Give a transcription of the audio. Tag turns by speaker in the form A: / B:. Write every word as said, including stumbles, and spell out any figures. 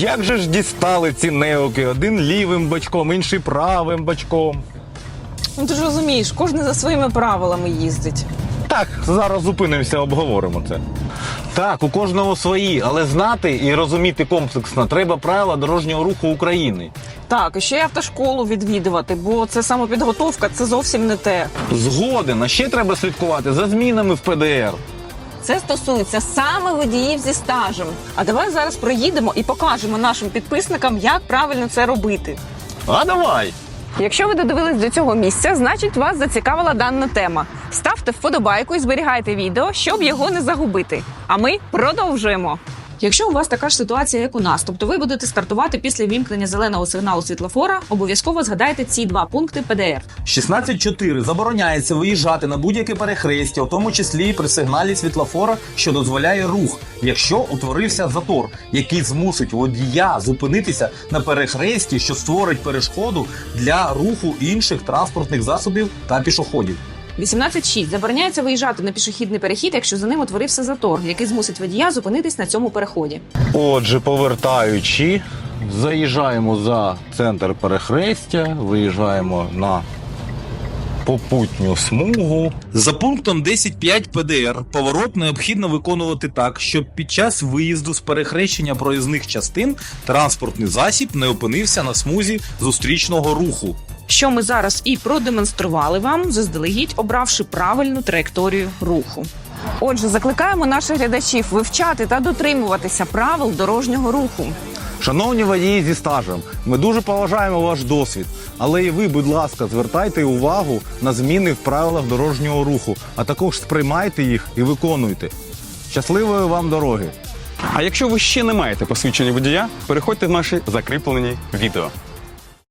A: Як же ж дістали ці неоки? Один лівим бочком, інший правим бочком.
B: Ну ти ж розумієш, кожен за своїми правилами їздить.
A: Так, зараз зупинимося, обговоримо це. Так, у кожного свої, але знати і розуміти комплексно треба правила дорожнього руху України.
B: Так, і ще й автошколу відвідувати, бо це самопідготовка, це зовсім не те.
A: Згоден, а ще треба слідкувати за змінами в Пе Де Ер.
B: Це стосується саме водіїв зі стажем. А давай зараз проїдемо і покажемо нашим підписникам, як правильно це робити.
A: А давай!
B: Якщо ви додивились до цього місця, значить вас зацікавила дана тема. Ставте вподобайку і зберігайте відео, щоб його не загубити. А ми продовжуємо. Якщо у вас така ж ситуація, як у нас, тобто ви будете стартувати після вімкнення зеленого сигналу світлофора, обов'язково згадайте ці два пункти Пе Де Ер.
C: шістнадцять чотири. Забороняється виїжджати на будь-яке перехрестя, у тому числі при сигналі світлофора, що дозволяє рух, якщо утворився затор, який змусить водія зупинитися на перехресті, що створить перешкоду для руху інших транспортних засобів та пішоходів.
B: вісімнадцять шість. Забороняється виїжджати на пішохідний перехід, якщо за ним утворився затор, який змусить водія зупинитись на цьому переході.
A: Отже, повертаючи, заїжджаємо за центр перехрестя, виїжджаємо на попутню смугу.
C: За пунктом десять п'ять Пе Де Ер поворот необхідно виконувати так, щоб під час виїзду з перехрещення проїзних частин транспортний засіб не опинився на смузі зустрічного руху.
B: Що ми зараз і продемонстрували вам, заздалегідь обравши правильну траєкторію руху. Отже, закликаємо наших глядачів вивчати та дотримуватися правил дорожнього руху.
A: Шановні водії зі стажем, ми дуже поважаємо ваш досвід, але і ви, будь ласка, звертайте увагу на зміни в правилах дорожнього руху, а також сприймайте їх і виконуйте. Щасливої вам дороги!
D: А якщо ви ще не маєте посвідчення водія, переходьте в наші закріплені відео.